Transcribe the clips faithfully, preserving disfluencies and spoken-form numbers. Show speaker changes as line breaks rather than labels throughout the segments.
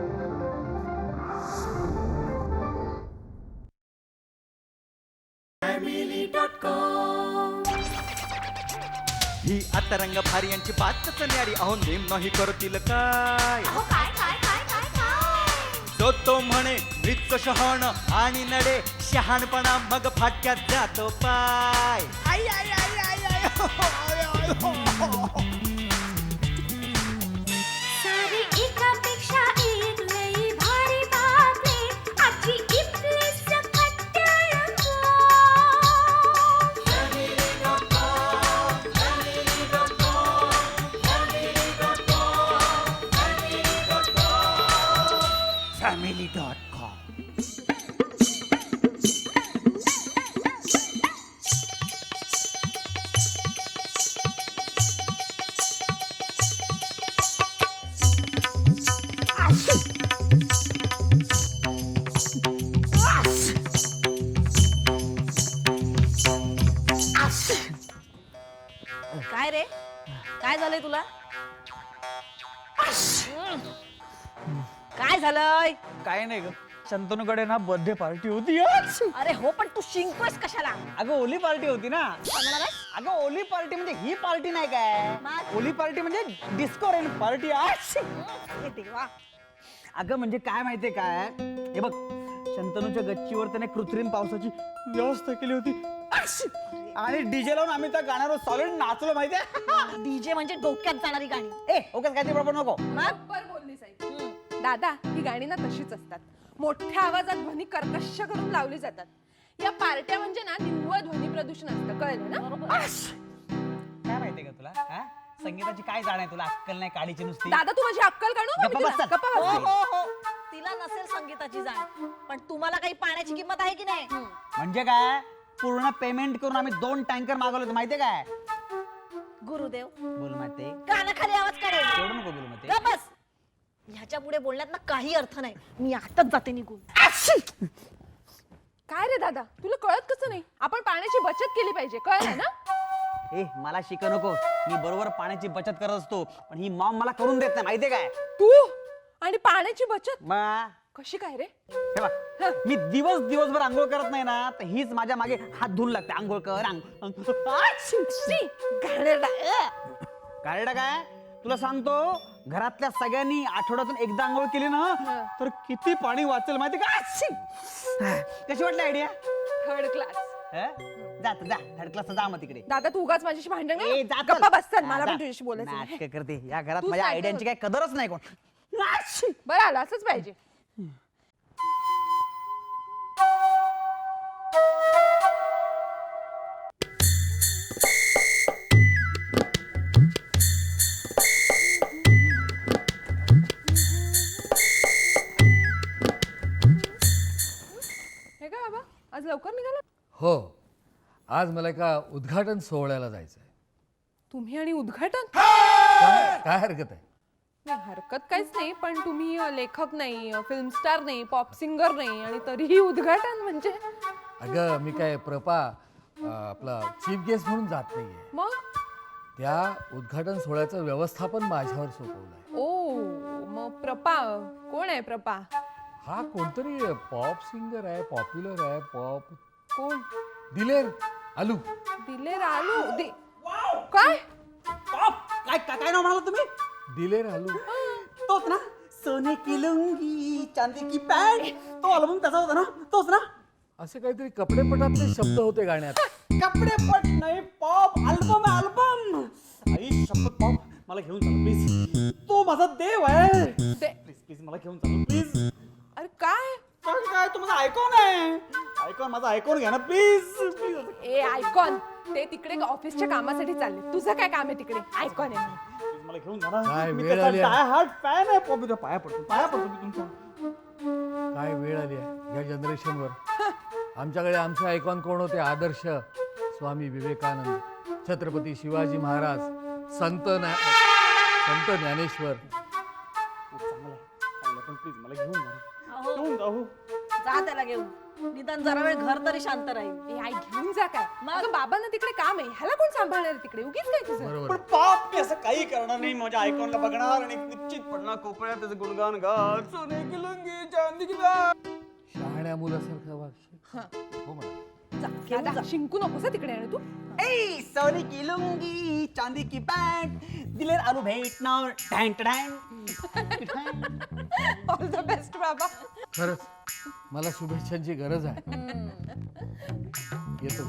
ही आता रंग भारी यांची बातच न्यारी, अहो नेम नाही करतील काय. तो तो म्हणे मृत शहाण आणि नडे शहाणपणा मग फाटक्यात जातो पाय. आई आई आई आई आई हो, आय, आय, हो, हो.
सारी एकापेक्षा एक लई भारी बातमी आजची इथली सकट टेलिफोन.
Family dot com.
काय रे, काय झालंय तुला? काय झालंय?
काय नाही ग, शंतनूकडे ना बर्थडे पार्टी होती आज.
अरे हो, पण तू शिंकतोयस कशाला?
अगं ओली पार्टी होती ना.
काय म्हणालास?
अगं ओली पार्टी म्हणजे ही पार्टी नाही काय,
मग?
ओली पार्टी म्हणजे डिस्को रेन पार्टी आज.
हे देवा.
अगं म्हणजे काय माहितीये काय, हे बघ शंतनूच्या गच्चीवर त्याने कृत्रिम पावसाची व्यवस्था केली होती आणि डीजे लावून आम्ही त्या गाण्यावर सॉलिड नाचलो माहितीये.
डीजे म्हणजे डोक्यात जाणारी गाणी.
ए ओके काय ते बरोबर नको.
बरोबर बोलली साई. दादा, ही गाणी ना तशीच असतात, मोठ्या आवाजात ध्वनी कर्कश करून लावली जातात. या पार्ट्या म्हणजे ना निव्वळ ध्वनी प्रदूषण असतं, कळलं ना?
काय माहितीये का तुला, हा? संगीताची काय जाण आहे तुला, अक्कल नाही काडीची नुसती.
दादा, तू माझी अक्कल काढू.
गप्पा बस.
गप्पा
हो
बस.
हो हो, तिला नसेल संगीताची जाण, पण तुम्हाला काही पाण्याची किंमत आहे की नाही?
म्हणजे काय, पूर्ण पेमेंट करून आम्ही दोन टँकर मागवले होते माहितीये काय.
गुरुदेव,
बोल माते,
कानाखाली आवाज काढेल.
तेवढं नको बोलू माते.
का बस, ह्याच्या पुढे बोलण्यात ना काही अर्थ नाही. मी आताच जाते निघून.
काय रे दादा, तुला कळत कसं नाही? आपण पाण्याची बचत केली पाहिजे, कळलं ना?
ए मला शिक नको, मी बरोबर पाण्याची बचत करत असतो, पण ही मॉम मला करून देत नाही माहितीये काय.
तू आणि पाण्याची बचत
मा
कशी काय रे?
हे बघ, मी दिवस दिवसभर आंघोळ करत नाही ना, तर हीच माझ्या मागे हात धुवून लागते. आंघोळ कर आंघोळ.
शी, घाणेरडा. अ.
काय काय तुला सांगतो, घरातल्या सगळ्यांनी आठवड्यातून एकदा आंघोळ केली ना, तर किती पाणी वाचेल माहिती का. कशी वाटली आयडिया?
Third class.
जा तू, जा थर्ड क्लास जा मग तिकडे.
दादा, तू उगाच माझ्याशी भांडण
ए,
कर.
जा चल.
गप्पा बस, चल,
हा,
मला
जा.
पण तुझ्याशी बोलायचं आहे.
नाटकं करते या घरात,
तूच
माझ्या
नाटकं
आयडियांची काय कदरच नाही कोण.
बरं आलं, असंच पाहिजे. हे काय बाबा, आज लवकर निघाला?
हो, आज मला एका उद्घाटन सोहळ्याला जायचं आहे.
तुम्ही आणि उद्घाटन?
काय काय हरकत आहे?
नाही, हरकत काहीच नाही, पण तुम्ही अ, लेखक नाही, फिल्म स्टार नाही, पॉप सिंगर नाही, आणि तरीही उद्घाटन म्हणजे?
अगं मी काय प्रपा अं, आपला चीफ गेस्ट म्हणून जात नाहीये.
मग
त्या उद्घाटन सोहळ्याचं व्यवस्थापन माझ्यावर सोपवलंय.
ओ, मग प्रपा कोण आहे? प्रपा
हा कोणतरी पॉप सिंगर आहे, पॉप्युलर आहे. पॉप
कोण?
दिलेर आलू.
दिलेर आलू? दि- काय?
काय काय काय नाव म्हणाला तुम्ही?
दिलेर आलू.
तोच ना, सोने की लुंगी चांदी की पॅन्ट, तो अल्बम त्याचा होता ना, तोच ना.
असे काहीतरी कपडेपटातले शब्द होते गाण्यात.
कपडे पट नाही, पॉप अल्बम आहे, अल्बम. आई शपथ पॉप, मला घेऊन चला प्लीज, तो माझा देव आहे.
ते-
प्लीज प्लीज मला घेऊन चला प्लीज.
अरे काय?
काय काय तू माझा आयकॉन आहे, आयकॉन माझा आयकॉन घ्या ना प्लीज प्लीज.
ए आयकॉन, ते तिकडे ऑफिसच्या कामासाठी चालले. तुझं काय काम आहे तिकडे? आयकॉन आहे म्हणून.
प्लीज मला घेऊन जा ना.
काय
मी
वेळ
त्याचा
आली आहे.
डाय हार्ट फॅन आहे पॉप. तुझ्या पाया पडतो, पाया पडतो मी तुमच्या.
काय वेळ आली आहे या जनरेशनवर. आमच्याकडे आमचे आयकॉन कोण होते? आदर्श स्वामी विवेकानंद, छत्रपती शिवाजी महाराज, संत ज्ञा- संत ज्ञानेश्वर.
चांगलं आहे, चांगलं आहे, पण प्लीज मला घेऊन जा ना.
अहो,
घेऊन जा हो.
जा त्याला घेऊन निदान जरा वेळ घर तरी शांत राहील.
ए आई घेऊन जा काय
मग?
अगं बाबांना तिकडे काम आहे, ह्याला कोण सांभाळणार आहे तिकडे? उगीच काय तुझं?
बरोबर
पण पाप मी असं काही करणार नाही. माझ्या आयकॉनला बघणार आणि निश्चित पडणार कोपऱ्यात त्याचं गुणगान गात. सोने की लुंगी चांदी की बॅग.
शहाण्या मुलासारखं वागशील. हो म्हणा.
जा, दादा, शिंकू नकोस हं तिकडे आणि तू
ए सोने की लुंगी चांदी की बॅग दिलेर आलू भेटणार टँग टँग.
ऑल द बेस्ट बाबा.
खरंच मला शुभेच्छांची गरज आहे. येतो.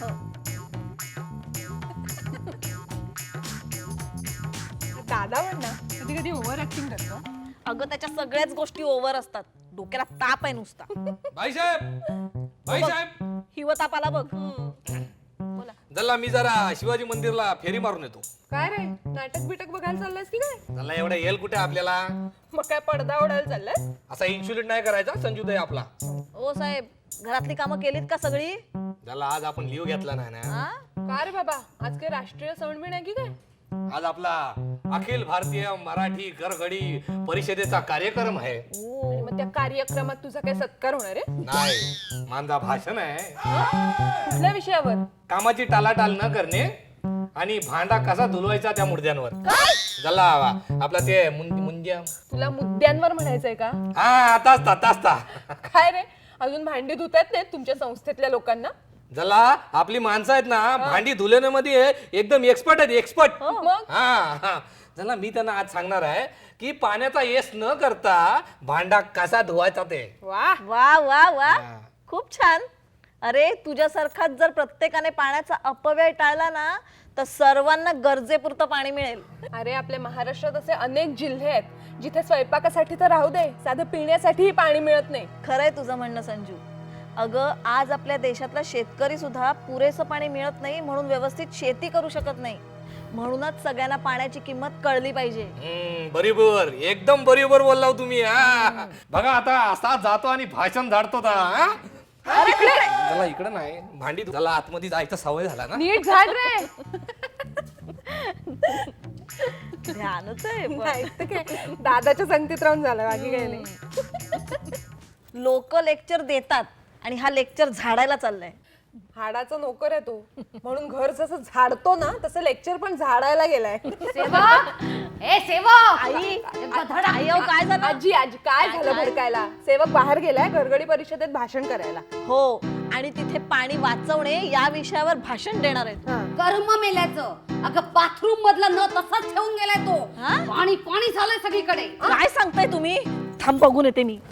दादा म्हण ना कधी कधी ओव्हर ऍक्टिंग करतो.
अगं त्याच्या सगळ्याच गोष्टी ओव्हर असतात. डोक्याला ताप आहे नुसता.
भाईसाहेब भाईसाहेब
हिव तापाला बघ.
जल्ला मी जरा शिवाजी मंदिरला फेरी मारून येतो.
काय रे नाटक बिटक बघायला चाललंयस की काय?
जल्ला एवढा येल कुठे आपल्याला?
मग काय पडदा उडायला चाललाय?
असा इन्शुलिन नाही करायचा संजूदय आपला.
ओ साहेब घरातली कामं केलीत का सगळी?
जल्ला आज आपण लिव घेतला नाही ना.
हा?
का रे बाबा आज काही राष्ट्रीय सण बिण आहे की काय?
आज आपला अखिल भारतीय मराठी गरगडी परिषदेचा कार्यक्रम आहे.
आणि मग त्या कार्यक्रमात तुझा काय सत्कार होणार आहे?
नाही माझा भाषण आहे.
कुठल्या विषयावर?
कामाची टालाटाल न करणे आणि भांडा कसा धुलवायचा त्या मुद्द्यांवर. जल्ला आपला ते मुं- मुंद्या
तुला मुद्द्यांवर म्हणायचंय का?
हा आताच ता ताच ता
काय रे अजून भांडी धुतात नाहीत तुमच्या संस्थेतल्या लोकांना?
जला आपली माणसं आहेत ना भांडी धुल्यामध्ये एकदम एक्सपर्ट आहेत एक्सपर्ट.
मग
हा हा जला मी त्यांना आज सांगणार आहे की पाण्याचा येस न करता भांडा कसा धुवायचा ते.
वा
वा वा वा खूप छान. अरे तुझ्यासारखाच जर प्रत्येकाने पाण्याचा अपव्यय टाळला ना तर सर्वांना गरजेपुरतं पाणी मिळेल.
अरे आपल्या महाराष्ट्रात असे अनेक जिल्हे आहेत जिथे स्वयंपाकासाठी तर राहू दे साधं पिण्यासाठीही पाणी मिळत नाही.
खरंय तुझं म्हणणं संजू. अगं आज आपल्या देशातला शेतकरी सुद्धा पुरेसं पाणी मिळत नाही म्हणून व्यवस्थित शेती करू शकत नाही. म्हणूनच सगळ्यांना पाण्याची किंमत कळली पाहिजे.
हम्म, बरोबर एकदम बरोबर बोलला हो तुम्ही. हा बघा आता असा जातो आणि भाषण झाडतो ता, हा? जला इकडे नाही भांडी धु- जला आतमध्ये जायचा सवय झाला ना.
नीट झाड रे.
ध्यानच आहे पण.
नाही तर काय दादाच्या संगतीत राहून झालं बाकी काही नाही.
लोक लेक्चर देतात आणि हा लेक्चर झाडायला चाललाय.
हाडाचा नोकर आहे तो म्हणून घर जसं झाडतो ना तसं लेक्चर पण झाडायला गेलाय.
ए सेवक
आई आई अहो, काय झालं?
आजी आजी काय झालं भडकायला? सेवक बाहेर गेलाय गरगडी परिषदेत भाषण करायला.
हो आणि तिथे पाणी वाचवणे या विषयावर भाषण देणार आहेत.
कर्म मेल्याचं. अगं बाथरूम मधला न तसाच ठेवून गेलाय तो.
हा?
पाणी पाणी झालंय सगळीकडे.
काय सांगताय तुम्ही? थांब बघून येते मी.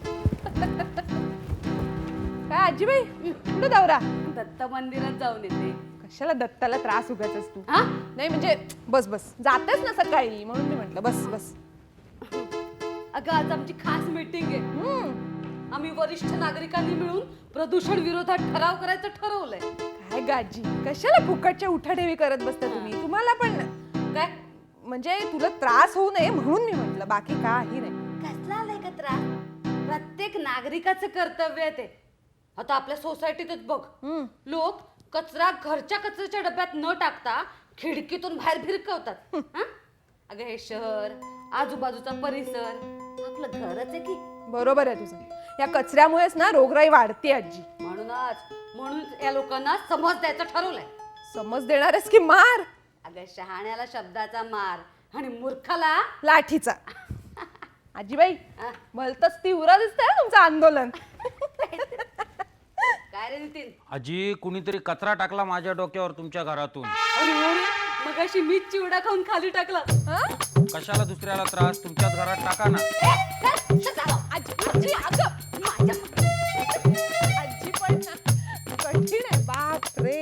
काय आजीबाई कुठे दौरा?
दत्त मंदिरात जाऊन येते.
कशाला दत्ताला त्रास उगाचच तू?
हा?
नाही म्हणजे बस बस जातेस ना सकाळी म्हणून मी म्हटलं बस बस.
अगं आज आमची खास मीटिंग आहे.
हम्म.
आम्ही वरिष्ठ नागरिकांनी मिळून प्रदूषण विरोधात ठराव करायचं ठरवलंय.
काय गाजी कशाला फुकटच्या उठाठेवी करत बसता तुम्ही? तुम्हाला पण
काय
म्हणजे तुला त्रास होऊ नये म्हणून मी म्हटलं बाकी काही नाही.
कसला आलाय का त्रास? प्रत्येक नागरिकाचं कर्तव्य आहे ते. आता आपल्या सोसायटीतच बघ लोक कचरा घरच्या कचऱ्याच्या डब्यात न टाकता खिडकीतून बाहेर भिरकवतात. हं? अगं हे शहर आजूबाजूचा परिसर आपलं घरच आहे की.
बरोबर आहे तुझं. या कचऱ्यामुळेच ना रोगराई वाढते आजी.
म्हणूनच म्हणून या लोकांना समज द्यायचं ठरवलंय.
समज देणारच की मार?
अगं शहाण्याला शब्दाचा मार आणि मूर्खाला
लाठीचा. आजीबाई
हा?
भलतच तीव्र दिसतंय हं तुमचं आंदोलन.
काय रे नितीन?
आजी कुणीतरी कचरा टाकला माझ्या डोक्यावर तुमच्या घरातून.
अरे अरे, मगाशी मीच चिवडा खाऊन खाली टाकला.
हं?
कशाला दुसऱ्याला त्रास? तुमच्याच घरात टाका ना.
आजी आजी अगं माझ्या आजी पण ना कठीण आहे बाप रे.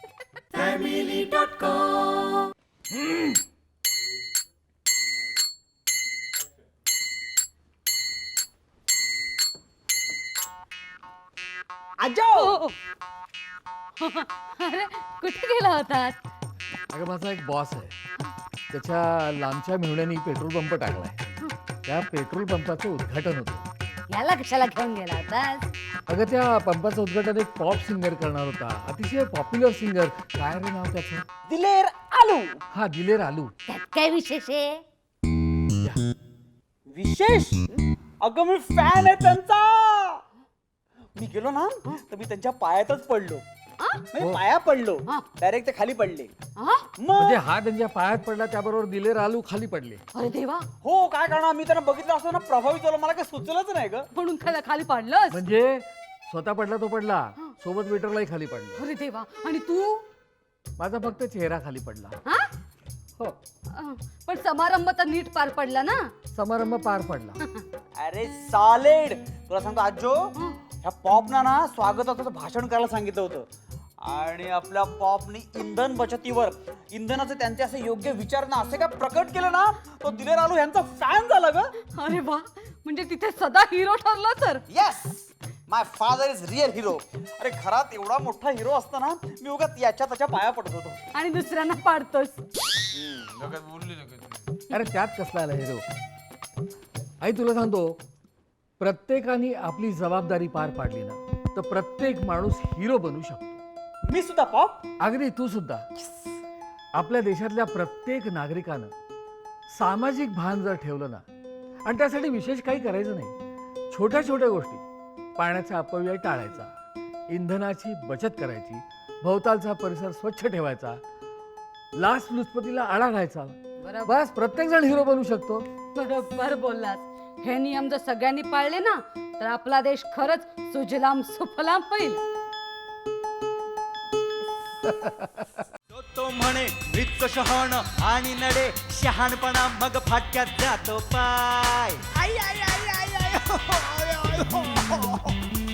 आजो
अरे कुठे गेला होतात?
अगं माझा एक बॉस आहे. त्याच्या लांबच्या मेहुण्यानी पेट्रोल पंप टाकलाय. त्या पेट्रोल पंपाचं उद्घाटन होतं.
याला कशाला घेऊन गेला होतास?
अगं त्या पंपाचं उद्घाटन एक पॉप सिंगर करणार होता. अतिशय पॉप्युलर सिंगर. काय रे नाव त्याचं?
दिलेर आलू.
हा दिलेर आलू.
त्यात काय विशेष आहे?
विशेष? अगं मी फॅन आहे त्यांचा. मी गेलो ना तर मी त्यांच्या पायातच पडलो
आ?
म्हणजे पाया पडलो
हा.
डायरेक्ट ते खाली पडले
हा?
मग
म्हणजे हा त्यांच्या पायात पडला त्याबरोबर दिले रालू खाली पडले.
अरे देवा,
हो काय करणार मी त्यांना बघितलं असतो ना प्रभावित झालो मला काय सुचलंच नाही ग
म्हणून खाली खाली पडलंस?
म्हणजे स्वतः पडला तो पडला, सोबत वेटरलाही खाली पडला.
अरे देवा, आणि तू?
माझा फक्त चेहरा खाली पडला.
हा?
हो,
अं, पण समारंभ तर नीट पार पडला ना?
समारंभ पार पडला.
अरे सॉलिड तुला सांगतो आजो ह्या पॉपना ना स्वागताचं भाषण करायला सांगितलं होतं आणि आपल्या पॉपनी इंधन बचतीवर इंधनाचे त्यांचे असे योग्य विचार ना असे काय प्रकट केलं ना तो दिले रालू यांचा फॅन झाला ग.
अरे वा, म्हणजे तिथे सदा हिरो ठरला तर.
Yes my father is real hero. अरे घरात एवढा मोठा हिरो असताना मी उगाच याच्या त्याच्या पाया पडत होतो.
आणि दुसऱ्यांना पाडतोस.
अरे त्यात कसला आला हिरो. आई तुला सांगतो, प्रत्येकाने आपली जबाबदारी पार पाडली ना तर प्रत्येक माणूस हिरो बनू शकतो.
मी सुद्धा पॉप.
अगदी तू सुद्धा. आपल्या देशातल्या प्रत्येक नागरिकानं सामाजिक भान जर ठेवलं ना आणि त्यासाठी विशेष काही करायचं नाही, छोट्या छोट्या गोष्टी, पाण्याचा अपव्यय टाळायचा, इंधनाची बचत करायची, भोवतालचा परिसर स्वच्छ ठेवायचा, लाचलुचपतीला आळा घालायचा, बस प्रत्येक जण हिरो बनू शकतो.
बरोबर बोललास. हे नियम जर सगळ्यांनी पाळले ना तर आपला देश खरंच सुजलाम सुफलाम होईल.
तो तो म्हणे मृत शहाण आणि नडे शहाणपणा मग फाटक्यात जातो पाय. आई आई आई आई आई हो, हो, हो, हो.